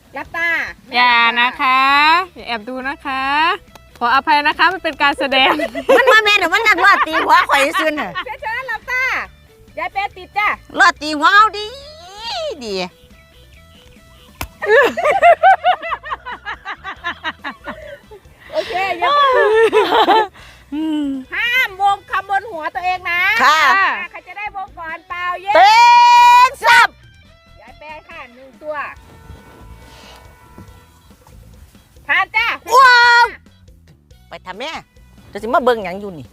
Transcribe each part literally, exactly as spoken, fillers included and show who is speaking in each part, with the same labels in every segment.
Speaker 1: รับตา
Speaker 2: อย่านะคะอย่าแอบดูนะคะขออภัยนะคะมันเป็นการแสดง
Speaker 3: มันมาแม่นมันนักรอดตีหัวข่อยซื่อน่ะ
Speaker 1: เพชรรัตน์รับตายายเป้ติดจ้ะ
Speaker 3: รอดตีหัวเอาดีดี
Speaker 1: โอเคยังห้ามวงคำบนหัวตัวเองนะ
Speaker 3: ค่ะ
Speaker 1: ใครจะได้วงก่อนเปล่าเย้
Speaker 3: เต้นซับ
Speaker 1: ยายแป้ค่ะหนึ่งตัวผ่านจ้ะ
Speaker 3: ว้าวไปทำแม่จะสิมาเบิ่งหยังอยู่นี่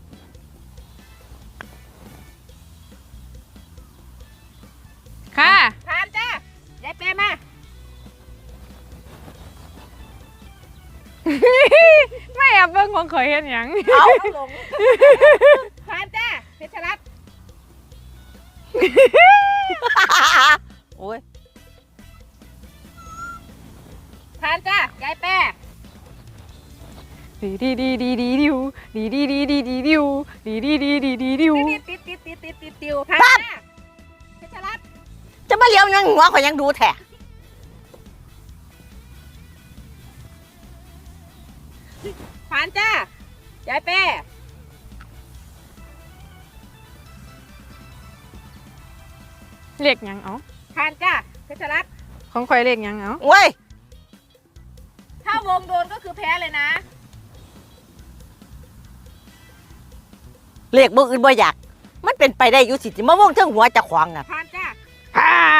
Speaker 2: ค่ะ
Speaker 1: ผ่านจ้ะยายแป้มา
Speaker 2: ไม่แอบเบิ่งของข่อยเห็นหยัง
Speaker 1: เอาหลงผ่านจ้ะเพชรรัตน์
Speaker 3: โอ้ย
Speaker 1: ผ่านจ้ะยายแป้
Speaker 2: ดีดีดีดีดีดิวดีดีดีดีดีดิวดีดีดีดีดีดิว
Speaker 1: ติดติดติดติดติดติดติวผ่านจ้ะเพชรรัตน์
Speaker 3: จะมาเลี้ยวยังหัวข่อยยังดูแท้
Speaker 1: ผ่านจ้ะยายแป้
Speaker 2: เรียกหยังเอา
Speaker 1: ผ่านจ้ะเพชรรัตน์
Speaker 2: ของข่อยเรียกหยังเอา
Speaker 3: โอ้ย
Speaker 1: ถ้าวงโดนก็คือแพ้เลยนะ
Speaker 3: เลขบ่อื่นบ่อยากมันเป็นไปได้อยู่สิสิมาวงเทิงหัวเจะขวางอ่ะ
Speaker 1: ผ่านจ้ะ
Speaker 2: ผ่าน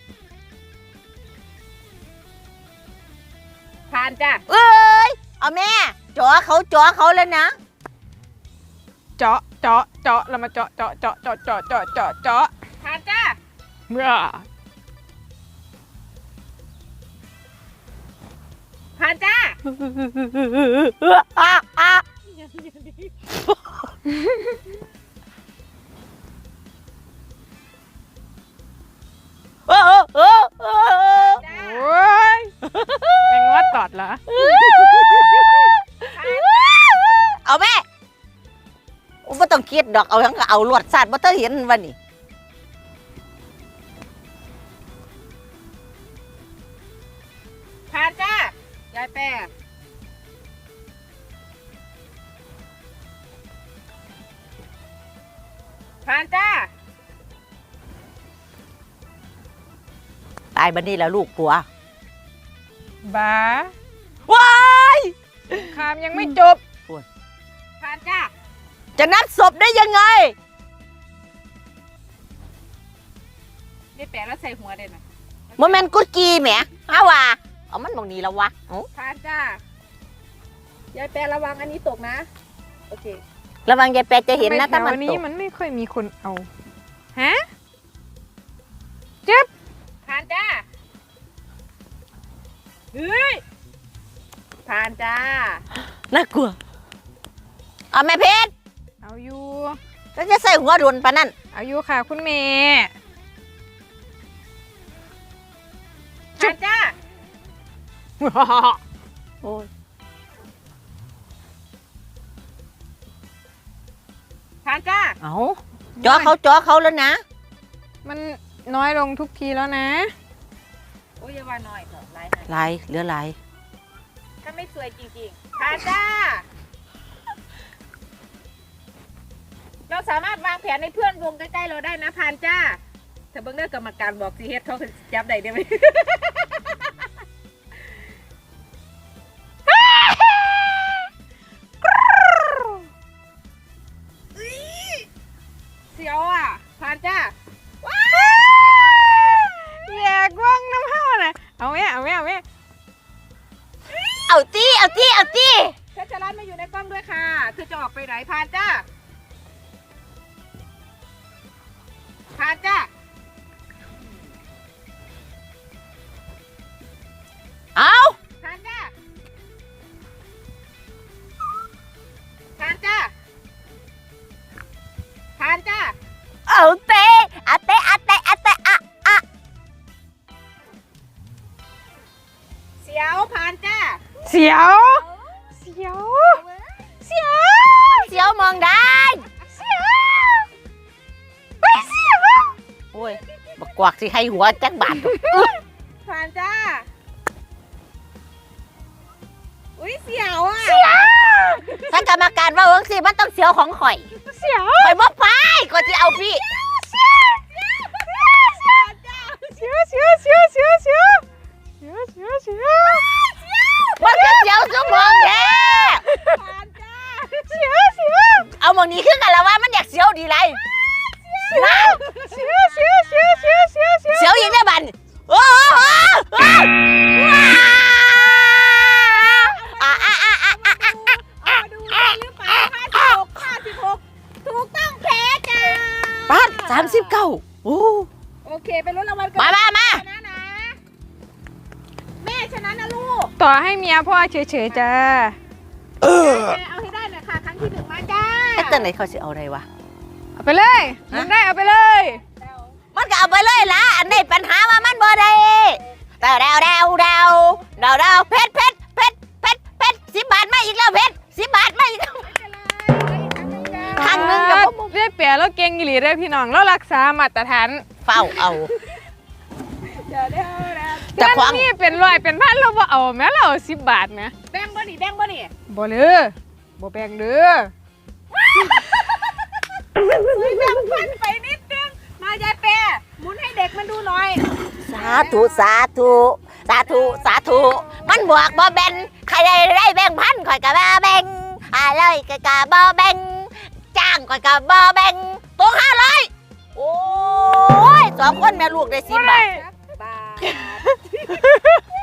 Speaker 1: ผ่านจ้ะ
Speaker 3: เอ้ยเอาแม่จ่อเขาจ่อเขาแล้วนะ
Speaker 2: เจาะเจาะเจาะแล้วมาเจาะเจาะเจาะเจาะเจาะเจาะเจาะเจาะ
Speaker 1: ผ่านจ้ะ
Speaker 2: เมื่อ
Speaker 1: ผ่านจ้ะ
Speaker 3: อ่ะอ่ะเออเออเออเออ
Speaker 1: จ้ะ
Speaker 2: โอ้ยเป็นงวดตอดเหรอ
Speaker 1: ผ่านจ้ะ
Speaker 3: เอาแม่ไม่ต้องคิดดอกเอาทั้งก็เอาลวดสาดบ่ต้องเห็นวันนี้
Speaker 1: ผ่านจ้ะยายแป้ผ่านจ้ะ
Speaker 3: ตายบันนี้แล้วลูกผัว
Speaker 2: บ้า
Speaker 3: ว้าย
Speaker 2: คามยังไม่จบ
Speaker 1: ผ่านจ้ะ
Speaker 3: จะนัดศพได้ยังไง
Speaker 1: นี่แปะแล้วใส่หัวเด่นนะ
Speaker 3: โมเมนต์กุดกีแหมฮาว่าเอามันบอกนี้แล้ววะเอ้า
Speaker 1: ผ่านจ้ะยายแป้ระวังอันนี้ตกนะ โอเค
Speaker 3: ระวังยายแปะจะเห็นนะ
Speaker 2: ทำไม
Speaker 3: ถ้ามัน
Speaker 2: แถว
Speaker 3: ต
Speaker 2: นี้
Speaker 3: ก
Speaker 2: มันไม่ค่อยมีคนเอา ฮะ เจ็บ
Speaker 1: ผ่านจ้ะเฮ้ยผ่านจ้า
Speaker 3: น่ากลัวเอาแม่เพชร
Speaker 2: เอาอยู่
Speaker 3: แล้วจะใส่หัวโดนปะนั่น
Speaker 2: เอาอยู่ค่ะคุณเมย์
Speaker 1: ผ่านจ้า
Speaker 3: โอ้ย
Speaker 1: ผ่านจ้า
Speaker 3: เอาจอเขาจอเขาแล้วนะ
Speaker 2: มันน้อยลงทุกทีแล้วนะ
Speaker 1: โอ้ยอย่าว่าน้อยเถอะไรนะ
Speaker 3: ลายเหลือลาย
Speaker 1: ถ้าไม่สวยจริงๆผ่านจ้า เราสามารถวางแผนให้เพื่อนวงใกล้ๆเราได้นะผ่านจ้าถ้าเบิ่งเด้อกรรมการบอกสิเฮ็ดเขาคือจับได้ได้ไหม เสียวอ่ะผ่านจ้า
Speaker 2: อยากว่างน้ำห้าน่ะ เอาแม่เอาแม่เอาแม่
Speaker 3: เอาจี้เอาจี้เอาจี้
Speaker 1: เพชรรัตน์มาอยู่ในกล้องด้วยค่ะเธอจะออกไปไหนผ่านจ้าผ่านจ้า
Speaker 3: เอา
Speaker 1: ผ่านจ้าผ่านจ้าผ่านจ้า
Speaker 3: เอาเตะอะเตะอะเตะอะเตะอะอะ
Speaker 1: เสียวผ่านจ้า
Speaker 2: เสียว เสียว เสียว
Speaker 3: เสียวมองได้
Speaker 2: เสียวไปเสียว
Speaker 3: โอ้ยบักกวักสิให้หัวจักบาท
Speaker 1: ผ่านจ้าเสียวอ่ะ
Speaker 3: ถ้ากรรมการว่าเอิงสิมันต้องเสียวของข่อย
Speaker 2: เสียว
Speaker 3: ข่อยบ่ไปก็สิเอาพี่
Speaker 2: เสียวเสียวเสียวเสียวเสียวเสียวเสียวเสียวเสียว
Speaker 3: มันก็เสียวสมองแท้
Speaker 1: ผ่านจ้า
Speaker 2: เสียวเสียว
Speaker 3: เอาหมองนี้ขึ้นกันแล้วว่ามันอยากเสียวดีไรนั่น
Speaker 2: เสียวเสียวเสียวเสียวเสียวเสียว
Speaker 3: เสียวอีกได้บันโอ้โหอ่าอ่าอ่าอ่าอ่าอ่า
Speaker 1: เอามาดูได้หรือเปล่าห้าสิบหกห้าสิบหกถูกต้องแพ้จ้า
Speaker 3: ปัดสามสิบเก้าโอ้
Speaker 1: โอเคไปลุ้นรางวัลกัน
Speaker 3: มามามา
Speaker 1: ชนะนะแม่ชนะนะลูก
Speaker 2: ต่อให้เมียพ่อเฉยๆจ้า
Speaker 3: เออ
Speaker 1: แม่เอาให้ได้หน่อยค่ะครั้งที่หนึ่งมาจ้า
Speaker 3: ไอ้เต้นไหนเขาสิเอาอะไรวะ
Speaker 2: เอาไปเลยมันได้เอาไปเลย
Speaker 3: มันก็เอาไปเลยล่ะอันนี้ปัญหาว่ามันบ่ได้เดาเดาเดาเดาเดาเดาเพชรเพชรเพชรเพชรเพชรสิบบาทมาอีกแล้วเพชรสิบบาทมาอีกแล้ว ครั้งหนึ่งกับผม
Speaker 2: ได้เปรียบแล้วเก่งอีหลีได้อพี่น้องเรารักษามาตรฐาน
Speaker 3: เฝ้าเอา
Speaker 1: เดี๋ยวเดี๋ยวเดี๋ยว
Speaker 3: แต่ควาง
Speaker 2: นี่เป็นร้อยเป็นพันเราบ่เอาแม้เราสิบบาทนะ
Speaker 1: แบ่งบ่นี่แบ่งบ่นี่
Speaker 2: บ่เลยบ่แบ่งเด้อ
Speaker 1: แบ่งพันไปนิดนึงมายายเปรหมุนให้เด็กมันดูหน่อย
Speaker 3: สาธุสาธุสาธุสาธุมันบวกบ่แบ่งใครได้ได้แบ่งพันข่อยก็บ่แบ่งอะไรก็ก็บ่แบ่งจ้างข่อยก็บ่แบ่งตัวห้าร้อยโอ้ยสองคนแม่ลูกได้สิบบาท
Speaker 1: บาท